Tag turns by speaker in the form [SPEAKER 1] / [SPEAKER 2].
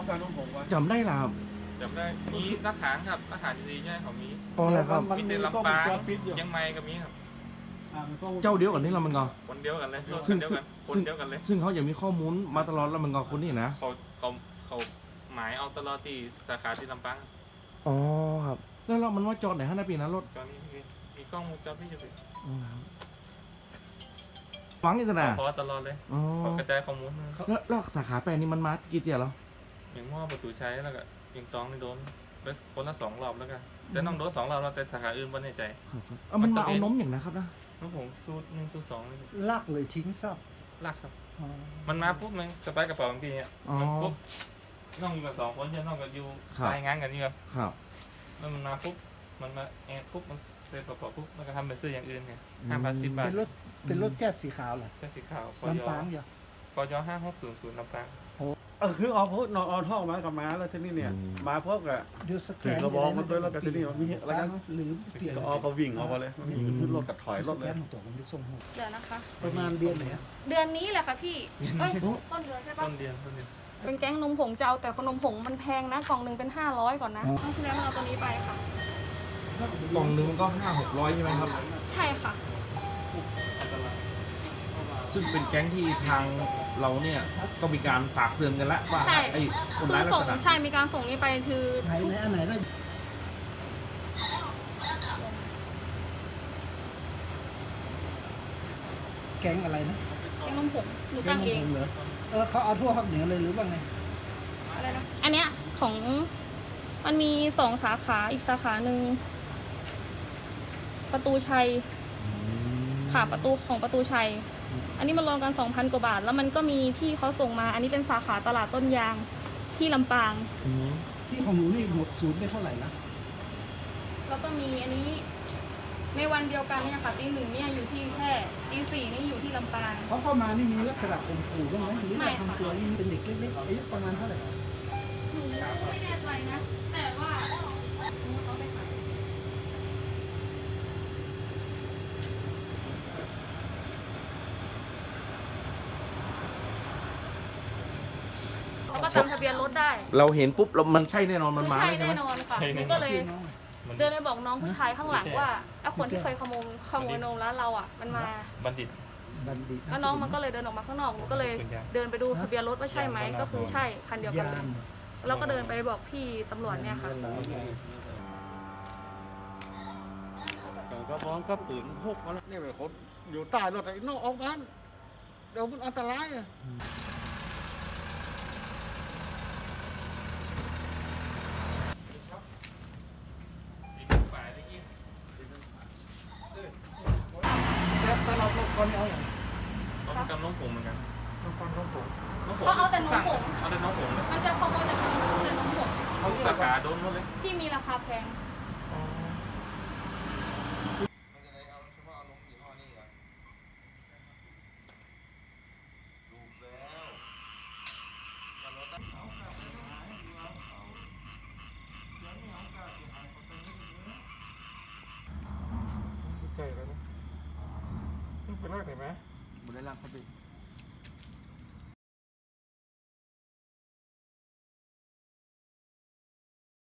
[SPEAKER 1] การน้องผมวะ
[SPEAKER 2] จำได้ล่ะครับ
[SPEAKER 3] จำได้มีทหารครับทหารดีใช่ของมี
[SPEAKER 2] อ๋ออะไรครับ
[SPEAKER 1] มัน
[SPEAKER 3] มี
[SPEAKER 1] มี
[SPEAKER 3] แต่
[SPEAKER 1] กล้อง
[SPEAKER 3] ลำ
[SPEAKER 1] ว
[SPEAKER 3] ปาง ง
[SPEAKER 1] จรปิดอยู่
[SPEAKER 3] เชียงใหม่ก็มีครับ
[SPEAKER 1] มันกล้อง
[SPEAKER 2] เจ้าเดียวกันนี่เรามันก็
[SPEAKER 3] คนเดียวกันเลยรถ
[SPEAKER 2] ซึ่
[SPEAKER 3] คั
[SPEAKER 2] ง
[SPEAKER 3] นเดียวกันคนเดียวกันเลย
[SPEAKER 2] ซึ่งเขายังมีข้อมูลมาตลอดแล้วมันก็คนนี้นะ
[SPEAKER 3] เขาหมายเอาตลอดที่สาขาที่ลำปาง
[SPEAKER 2] อ๋อครับแล้วเรามันว่าจอดไหนฮะนะปีนั้นรถ
[SPEAKER 3] ตอนนี้มีกล้องวงจรปิดอยู่สิ
[SPEAKER 2] ฟังอีกนะ
[SPEAKER 3] พอตลอดเลย
[SPEAKER 2] อ๋อ
[SPEAKER 3] เขากระจายข้อมูลมา
[SPEAKER 2] แล้วสาขาแปดนี่มันมากี่เที่ยวแล้ว
[SPEAKER 3] อย่างหม้อประตูใช้แล้วก็ยิงตองนี่โดนไปคนละ2 รอบแล้วกันแต่น้องโดน2 รอบแล้วแต่สาขาอื่นไม่แน่ใจ
[SPEAKER 2] ครับมันมาเอานมอย่างนะครับนะ
[SPEAKER 3] น้องผมสูตร1 สูตร 2เลย
[SPEAKER 1] ลากเลยทิ้งซับ
[SPEAKER 3] ลากครับ มันมาปุ๊บมันสไปร์กระเป๋าบางทีอ่ะ
[SPEAKER 2] อ๋อ
[SPEAKER 3] มันปุ๊บน้องอยู่กัน2 คนใช่น้องกับอยู่
[SPEAKER 2] ครับ
[SPEAKER 3] รายงานกันนี่ครับ
[SPEAKER 2] ครับ
[SPEAKER 3] แล้วมันมาปุ๊บมันมาแอบปุ๊บมันเซ็นกระเป๋าปุ๊บมันก็ทำเป็นซื้ออย่างอื่นไง5,010 บาท
[SPEAKER 1] เป็นรถแก๊สสีขาวเหรอ
[SPEAKER 3] แค่สีขาวกย
[SPEAKER 1] ลำปางเหรอก
[SPEAKER 3] ย5600ลำปาง
[SPEAKER 1] คือเอาพูดนอนเอาท่อมากับม้าแล้วที่นี่เนี่ยมาพบกับ
[SPEAKER 4] เดี๋ยวสแก
[SPEAKER 1] ถือน กระบอกมันด้วยแล้วก็ที่นี่มันมีอะไรกัน
[SPEAKER 4] หรือเปลี่ยน
[SPEAKER 1] ก็เอาเขาวิ่งเอาไปเลยขึ้นรถกับถอยร
[SPEAKER 4] ส
[SPEAKER 1] ถ
[SPEAKER 4] แก
[SPEAKER 1] เลย
[SPEAKER 4] นของตัวมันจะส่งหมด
[SPEAKER 5] เดี๋ยวนะคะ
[SPEAKER 4] ประมาณเดือนไหนอะ
[SPEAKER 5] เดือนนี้แหละค่ะพี่เอ้ยต้นเดือนใช่ปะ
[SPEAKER 3] ต้นเดือน
[SPEAKER 5] เป็นแก๊งนมผงเจ้าแต่ขนมผงมันแพงนะกล่องหนึ่งเป็น500ก่อนนะครั้งที่แล้วมันเอาตัวนี้ไปค่ะ
[SPEAKER 2] กล่องหนึงมันก็500-600ใช่ไหมครับ
[SPEAKER 5] ใช่ค่ะ
[SPEAKER 2] ซึ่งเป็นแก๊งที่ทางเราเนี่ยก็มีการฝากเตือนกันแล้วว่า
[SPEAKER 5] ใช่
[SPEAKER 2] ไอ้คน
[SPEAKER 5] คื
[SPEAKER 2] ร้าย
[SPEAKER 5] อ
[SPEAKER 2] ลัก
[SPEAKER 5] ส่ง
[SPEAKER 2] ษณะ
[SPEAKER 5] ใช่มีการส่งนี้ไปคือ
[SPEAKER 4] ไหนอันไหนนะแก๊งอะไรนะ
[SPEAKER 5] แก๊งนมผงหนู
[SPEAKER 4] แก๊
[SPEAKER 5] ตั้
[SPEAKER 4] ง
[SPEAKER 5] ง
[SPEAKER 4] ข
[SPEAKER 5] เอ
[SPEAKER 4] อง งเหรอเขาเอาทั่วภาคเหนือเลยหรือว่าไง
[SPEAKER 5] อะไรนะอันเนี้ยของมันมี2 สาขาอีกสาขาหนึ่งประตูชัยค่ะประตูชัย อันนี้มันรวมกัน 2,000 กว่าบาท แล้วมันก็มีที่เขาส่งมา อันนี้เป็นสาขาตลาดต้นยางที่ลำปาง
[SPEAKER 2] อืม
[SPEAKER 4] ที่ของหนูนี่หมดศูนย์ไปเท่าไหร่นะ
[SPEAKER 5] แล้วก็มีอันนี้ในวันเดียวกันเนี่ยค่ะตี 1เนี่ยอยู่ที่แค่ตี 4นี่อยู่ที่ลำปาง
[SPEAKER 4] เขาเข้ามานี่มีลักษณะข่มขู่บ้างไหมหรือ
[SPEAKER 5] ไม่
[SPEAKER 4] ว่า
[SPEAKER 5] ค่ะ
[SPEAKER 4] ทำตัวนี่เป็นเด็กเล็กๆอายุประมาณเท่าไหร่
[SPEAKER 5] หนูไม่แน่ใจนะ แต่ว่าเขาไปขายเขาก็จำทะเบียนรถได้
[SPEAKER 2] เราเห็นปุ๊บเรามันใช่แน่นอนมันมา
[SPEAKER 5] ใช่
[SPEAKER 2] ใช่ไหม
[SPEAKER 5] แน่นอนค่ะหนูก็เลยเดินไปบอกน้องผู้ชายข้างหลังว่าไอ้คนที่เคยขโมยนมร้านเราอ่ะ มันมา
[SPEAKER 3] บัณฑิต
[SPEAKER 4] บัณฑิต
[SPEAKER 5] แล้วน้องมันก็เลยเดินออกมาข้างนอกหนูก็เลยเดินไปดูทะเบียนรถว่าใช่ไหมก็คือใช่คันเดียวกัน
[SPEAKER 4] ยา
[SPEAKER 5] เลย
[SPEAKER 4] น
[SPEAKER 5] แล้วก็เดินไปบอกพี่ตำรวจเนี่ยค่ะ
[SPEAKER 1] ก็พร้อมก็ปืนพกมาแล้วนี่เป็นคนอยู่ใต้รถไอ้นอกออกนั้นเดี๋ยวมันอันตรายอ่ะ
[SPEAKER 4] แต่เราก่อนเอาอย่าง
[SPEAKER 3] ต้องจำน้องผมเหมือนกันน้องผม
[SPEAKER 5] เพราะเอาแต่นมผง
[SPEAKER 3] เอาแต่น้องผมเลย
[SPEAKER 5] มันจะขโมยแต่นมผง
[SPEAKER 3] เขาสาขาโดนหมดเลย
[SPEAKER 5] ที่มีราคาแพง
[SPEAKER 3] ใจแล้วนะเป็นไรเห็นไหม
[SPEAKER 1] บุได้ลากเขาไป